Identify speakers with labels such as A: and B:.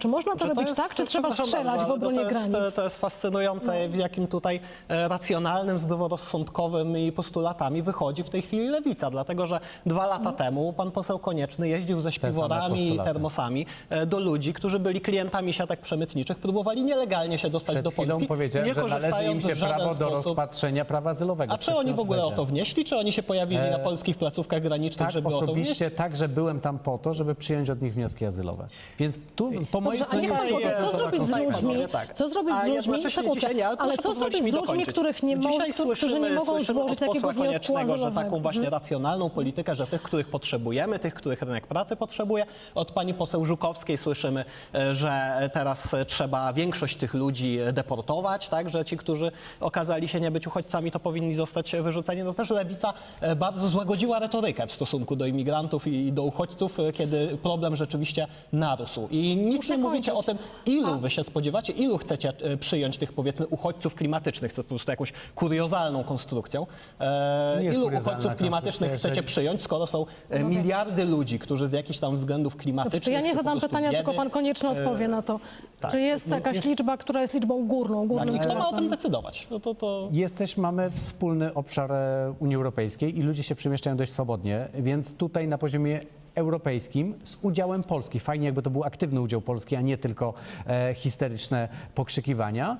A: Czy można to robić tak, czy trzeba strzelać w obronie granic?
B: To jest fascynujące, w jakim tutaj racjonalnym, zdroworozsądkowymi postulatami wychodzi w tej chwili lewica, dlatego że 2 lata temu pan poseł Konieczny jeździł ze śpiworami i termosami do ludzi, którzy byli klientami siatek przemytniczych, próbowali nielegalnie się dostać do Polski,
C: powiedziałem,
B: nie
C: że należy im
B: korzystając
C: się
B: w żaden
C: prawo do
B: sposób.
C: rozpatrzenia prawa azylowego.
B: A czy oni w ogóle o to wnieśli, czy oni się pojawili na polskich placówkach granicznych,
C: Tak,
B: żeby o to wnieść?
C: osobiście tak, że byłem tam po to, żeby przyjąć od nich wnioski azylowe. Więc tu po mojej
A: Dobrze, a niech
C: stronie...
A: pan powie, co zrobić z ludźmi, co zrobić z ludźmi, ale co zrobić z ludźmi, którzy nie mogą złożyć takiego wniosku azylowego?
B: Że taką właśnie racjonalną politykę, że tych, których potrzebujemy, tych, których rynek pracy potrzebuje. Od pani poseł Żukowskiej słyszymy, że teraz trzeba większość tych ludzi deportować, tak, że ci, którzy okazali się nie być uchodźcami, to powinni zostać wyrzuceni. No też lewica bardzo złagodziła retorykę w stosunku do imigrantów i do uchodźców, kiedy problem rzeczywiście narósł. I nic nie mówicie o tym, ilu wy się spodziewacie, ilu chcecie przyjąć tych, powiedzmy, uchodźców klimatycznych, co po prostu jakąś kuriozalną konstrukcją. Ilu uchodźców klimatycznych chcecie przyjąć, skoro są miliardy ludzi, którzy z jakichś tam względów klimatycznych...
A: To ja nie zadam pytania,
B: biedy,
A: tylko pan Konieczny odpowie na to.
B: tak,
A: Czy jest jakaś liczba, która jest liczbą górną?
B: Tak, i kto ma o
A: przepraszam.
B: tym decydować? No
C: Mamy wspólny obszar Unii Europejskiej i ludzie się przemieszczają dość swobodnie, więc tutaj na poziomie europejskim z udziałem Polski. Fajnie, jakby to był aktywny udział Polski, a nie tylko histeryczne pokrzykiwania.